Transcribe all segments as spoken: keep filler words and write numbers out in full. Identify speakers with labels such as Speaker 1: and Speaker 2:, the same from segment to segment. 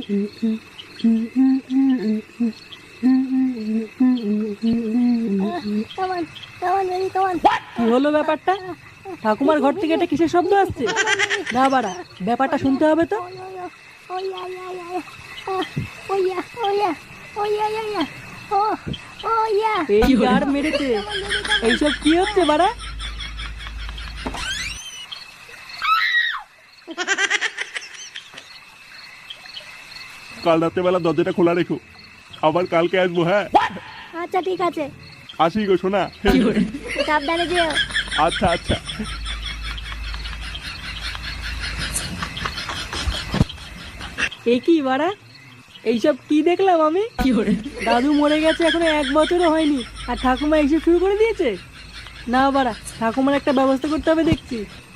Speaker 1: কি হলো ব্যাপারটা? ঠাকুমার ঘর থেকে এটা কিসের শব্দ আসছে? না বাড়া, ব্যাপারটা শুনতে হবে তো। এই গার মেরেছে, এইসব কি হচ্ছে বাড়া?
Speaker 2: কাল রাত্রেবেলা দরজাটা খোলা রেখো, আবার কালকে আসবো। হ্যাঁ
Speaker 3: আচ্ছা ঠিক আছে,
Speaker 2: আসি গো শোনা।
Speaker 3: সাবধানে যেও।
Speaker 2: আচ্ছা আচ্ছা।
Speaker 1: এ কি বাড়া, এইসব কি দেখলাম আমি? দাদু মরে গেছে এখনো এক বছরও হয়নি, আর ঠাকুমা এসে শুরু করে দিয়েছে। না বাড়া, ঠাকুমার একটা ব্যবস্থা করতে হবে দেখছি।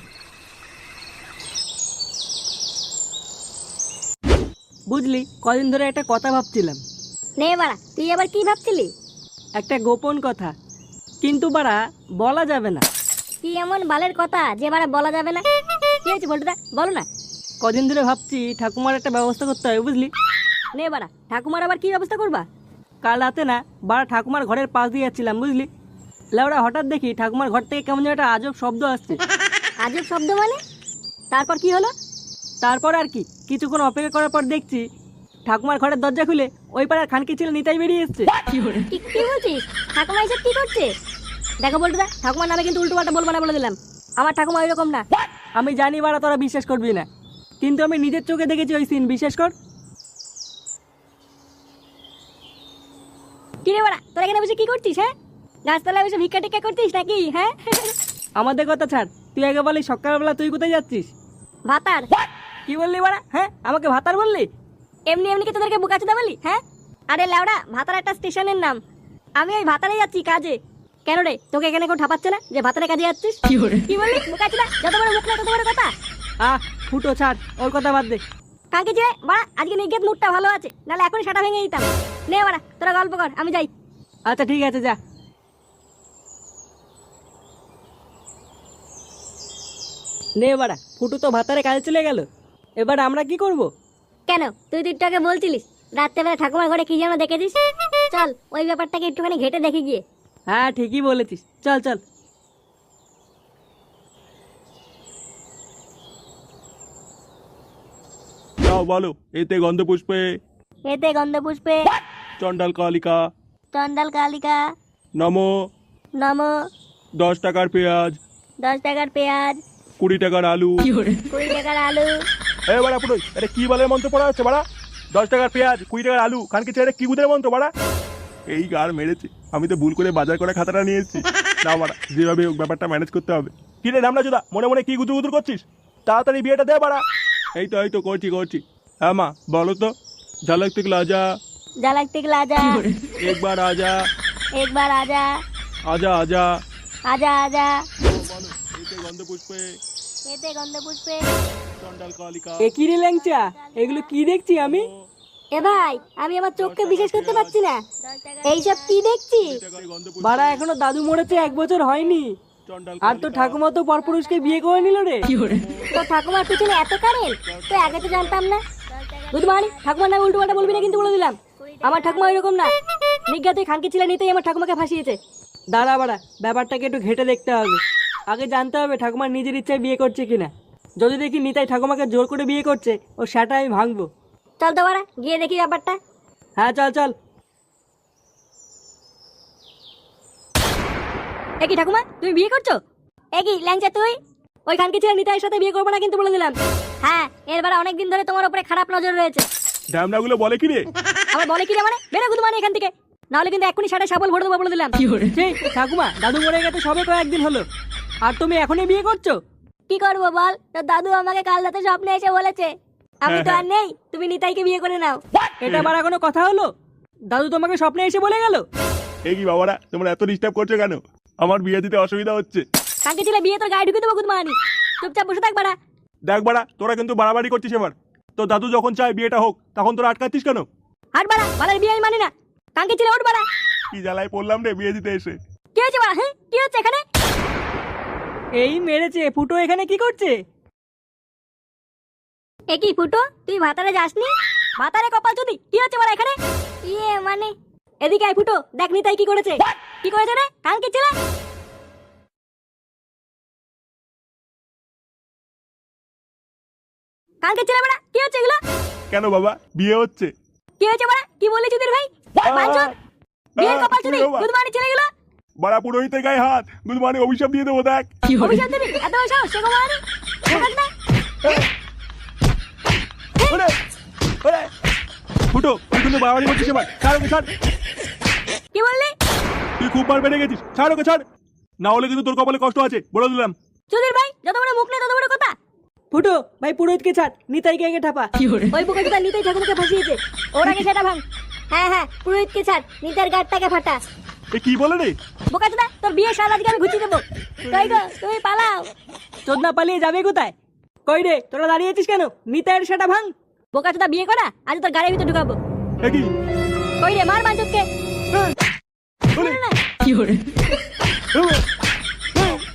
Speaker 1: বুঝলি, কদিন ধরে একটা কথা ভাবছিলাম।
Speaker 3: নে বাড়া, তুই আবার কি ভাবছিলি?
Speaker 1: একটা গোপন কথা, কিন্তু বাড়া বলা যাবে না।
Speaker 3: কি এমন বালের কথা যে বাড়া বলা যাবে না? কি হয়েছে বলটুদা, বলো না।
Speaker 1: কদিন ধরে ভাবছি ঠাকুমার একটা ব্যবস্থা করতে হবে, বুঝলি।
Speaker 3: নে বাড়া, ঠাকুমার আবার কি ব্যবস্থা করবা?
Speaker 1: কাল রাতে না বাড়া ঠাকুমার ঘরের পাশ দিয়ে যাচ্ছিলাম, বুঝলি। লেওড়া হঠাৎ দেখি ঠাকুমার ঘর থেকে কেমন যেন একটা আজব শব্দ আসছে।
Speaker 3: আজব শব্দ মানে? তারপর কি হলো?
Speaker 1: তারপর আর কি, কিছুক্ষণ অপেক্ষা করার পর দেখছি ঠাকুমার ঘরের দরজা খুলে ওই পাড়ার খানকি ছেলে নিতাই বেরিয়ে এসছে।
Speaker 3: কি কি বলছিস? ঠাকুমা এসব কি করছে? দেখো বলটুদা, ঠাকুমার নামে কিন্তু উল্টো পাল্টা বলবো না, বলে দিলাম। আমার ঠাকুমা ওই রকম না।
Speaker 1: আমি জানি বাড়া তোরা বিশ্বাস করবি না, কিন্তু আমি নিজের চোখে দেখেছি ওই সিন, বিশ্বাস কর।
Speaker 3: কি রে বাড়া, তোরা এখানে বসে কি করছিস? হ্যাঁ, গাছতলায় বসে ভিক্ষা টিক্ষা করছিস নাকি? হ্যাঁ,
Speaker 1: আমাদের কথা ছাড়, তুই আগে বলি সকালবেলা তুই কোথায় যাচ্ছিস?
Speaker 3: ভাতার।
Speaker 1: কি বললি বাড়া? হ্যাঁ, আমাকে ভাতার বললি?
Speaker 3: এমনি এমনি কি তোদেরকে বুকাচোদা বলি? হ্যাঁ, আরে লেওড়া, ভাতার একটা স্টেশনের নাম। আমি ওই ভাতারে যাচ্ছি কাজে। কেন রে, তোকে এখানে কেউ ঠাপাচ্ছে না যে ভাতারে কাজে যাচ্ছিস? কি বললি বুকাচোদা? যত বড় মুখ না তত বড় কথা।
Speaker 1: আহ ফুটো ছাড়, ওর কথা বাদ দে।
Speaker 3: কাকে যে বাড়া, আজকে নিগেত মুডটা ভালো আছে, নাহলে এখনই সাটা ভেঙে দিতাম। নে বাড়া, তোরা গল্প কর, আমি যাই।
Speaker 1: আচ্ছা ঠিক আছে, যা। নে বাড়া, ফুটু তো ভাতারে কাজে চলে গেল, এবার আমরা কি করব?
Speaker 3: কেন, তুই তো একটু আগে বলছিলিস রাত্রেবেলা ঠাকুমার ঘরে কি যেন দেখেছিস। চল ওই ব্যাপারটাকে একটুখানি ঘেটে দেখে গিয়ে।
Speaker 1: হ্যাঁ ঠিকই বলেছিস, চল চল।
Speaker 2: যাও বলো, এতে গন্ধ পুষ্পে
Speaker 3: এতে গন্ধ পুষ্পে
Speaker 2: চন্ডাল কালিকা
Speaker 3: চন্ডাল কালিকা
Speaker 2: নমো।
Speaker 3: নম।
Speaker 2: দশ টাকার পেঁয়াজ,
Speaker 3: দশ টাকার পেঁয়াজ,
Speaker 2: কুড়ি টাকার আলু।
Speaker 3: কুড়ি টাকার আলু।
Speaker 2: এ বাড়া পুরো, এটা কি বলে মন্ত্র পড়া হচ্ছে বাড়া? দশ টাকার পেঁয়াজ, কুড়ি টাকার আলু, খানকে ছেড়ে কি গুদের মন্ত্র বাড়া? এই গার মেরেছে, আমি তো ভুল করে বাজার করে খাতাটা নিয়ে এসেছি। না বাড়া, যেভাবে হোক ব্যাপারটা ম্যানেজ করতে হবে। কি রে রামলা চোদা, মনে মনে কি গুদুর গুদুর করছিস? তাড়াতাড়ি বিয়েটা দে বাড়া। এই তো এই তো করছি করছি। হ্যাঁ মা বলো তো। ঝলক তিকলা আজা,
Speaker 3: ঝলক তিকলা আজা,
Speaker 2: একবার আজা,
Speaker 3: একবার আজা,
Speaker 2: আজা আজা।
Speaker 3: আজা আজা।
Speaker 2: বলো, এতে গন্ধ পুষ্পে
Speaker 3: এতে গন্ধ পুষ্পে
Speaker 2: চন্ডাল কালিকা।
Speaker 1: এ কি রে ল্যাংচা, এগুলো কি দেখছি আমি?
Speaker 3: এ ভাই, আমি আমার চোখকে বিশ্বাস করতে পারছি না। এইসব কি দেখছি?
Speaker 1: বাড়া এখনো দাদু মরেছে এক বছর হয়নি, আর তো ঠাকুমা তো পরপুরুষকে বিয়ে করে নিল রে।
Speaker 3: তো ঠাকুমার পিছনে এত কারেন্ট, তো আগে তো জানতাম না। বুধমানি, ঠাকুমার নামে উল্টো পাল্টা বলবি না কিন্তু, বলে দিলাম। আমার ঠাকুমা ওইরকম না। নিজ্ঞাতে খানকি ছেলে নিতেই আমার ঠাকুমাকে ফাঁসিয়েছে।
Speaker 1: দাঁড়া বাড়া, ব্যাপারটাকে একটু ঘেটে দেখতে হবে। আগে জানতে হবে ঠাকুমার নিজের ইচ্ছায় বিয়ে করছে কিনা। যদি দেখি নিতাই ঠাকুমাকে জোর করে বিয়ে করছে, ও সেটা আমি ভাঙবো।
Speaker 3: চল তো বাড়া, গিয়ে দেখি ব্যাপারটা।
Speaker 1: হ্যাঁ চল চল।
Speaker 3: এ কি ঠাকুমা, তুমি বিয়ে করছো? এ কি ল্যাংচা তুই? ওই খানকি ছেলে নিতাইয়ের সাথে বিয়ে করবো না কিন্তু, বলে দিলাম। হ্যাঁ, এর বারে অনেকদিন ধরে তোমার উপরে খারাপ নজর রয়েছে।
Speaker 2: ড্যামনা গুলো বলে কি রে?
Speaker 3: আবার বলে কি রে মানে? বেরো গুদমানি এখান থেকে, নাহলে কিন্তু এখনই সাড়ে সাবল ভরে দেবো, বলে দিলাম।
Speaker 1: সেই ঠাকুমা, দাদু মরে গেছে সবে কয়েকদিন হলো, আর তুমি এখনই বিয়ে করছো?
Speaker 3: কি করবো বল, তোর দাদু আমাকে কাল রাতে স্বপ্নে এসে বলেছে আমি তো আর নেই, তুমি নিতাইকে বিয়ে করে নাও।
Speaker 1: এটা আবার কোনো কথা হলো? দাদু তোমাকে স্বপ্নে এসে বলে গেল?
Speaker 2: এই কি বাবারা, তোমরা এত ডিস্টার্ব করছো কেন? আমার বিয়ে দিতে অসুবিধা হচ্ছে।
Speaker 3: কাকে ছিল বিয়ে তোর গায়ে ঢুকে দেবো গুদমানি, চুপচাপ বসে থাক বাড়া।
Speaker 2: দেখ বাড়া, তোরা কিন্তু বাড়াবাড়ি করছিস এবার। তো দাদু যখন চায় বিয়েটা হোক, তখন তোরা আটকাচ্ছিস কেন?
Speaker 3: হাট বাড়া, বাড়ার বিয়ে আমি মানি না। কাকে ছিল ওঠ বাড়া।
Speaker 2: কি জ্বালায় পড়লাম রে বিয়ে দিতে এসে।
Speaker 3: কি হয়েছে বাড়া? হ্যাঁ, কি হচ্ছে এখানে?
Speaker 1: এই মেরেছে, ফুটো এখানে কি করছে?
Speaker 3: এ কি ফুটো, তুই ভাতারে যাসনি? ভাতারে কপাল চুদি কি হচ্ছে বড় এখানে? ইয়ে মানে এদিকে আয় ফুটো, দেখ নিতাই কি করেছে। কি করেছে রে কালকে ছেলে? কালকে ছেলে বড়া কি হচ্ছে এগুলো?
Speaker 2: কেন বাবা বিয়ে হচ্ছে?
Speaker 3: কি হয়েছে বড়া? কি বললি চুদির ভাই? বাঞ্চোদ বিয়ের কপাল চুদি গুড মর্নিং ছেলেগুলো।
Speaker 2: বড়া পুরোহিতের গায়ে হাত, গুড মর্নিং অভিশাপ দিয়ে দেবো দেখ।
Speaker 3: অভিশাপ দিবি? এত বড় সাহস সে কমানি? দেখাস না?
Speaker 2: ওরে ওরে ফুটো, তুই কিন্তু বাড়াবাড়ি করছিস এবার। ছাড় ওকে ছাড়,
Speaker 3: কি বললি?
Speaker 2: তুই খুব বার বেড়ে গেছিস। ছাড় ওকে ছাড়, না হলে কিন্তু তোর কপালে কষ্ট আছে বলে দিলাম।
Speaker 3: চুদির ভাই যত বড় মুখ নেই তত বড় কথা।
Speaker 1: ফুটো ভাই পুরোহিতকে ছাড়, নিতাইকে আগে ঠাপা।
Speaker 3: ওই বোকাচোদা নিতাই ঠাকুরকে ফাঁসিয়েছে, ওর আগে সেটা ভাঙ। হ্যাঁ হ্যাঁ পুরোহিতকে ছাড়, নিতার গাড়টাকে ফাটা।
Speaker 2: এ কি বলে রে?
Speaker 3: বোকাচোদা তোর বিয়ে সারা আজকে আমি ঘুচিয়ে দেবো। তাই গো তুমি পালাও।
Speaker 1: চোদনা পালিয়ে যাবে কোথায়? কই রে তোরা দাঁড়িয়ে আছিস কেন? নিতাইয়ের সেটা ভাঙ।
Speaker 3: বোকাচোদা বিয়ে করা আজ তোর গাড়ির ভিতরে ঢুকাবো।
Speaker 2: এ কি?
Speaker 3: কই রে মার বাঞ্চোদকে।
Speaker 2: ওরে,
Speaker 3: না
Speaker 1: কি করে?
Speaker 2: ওরে,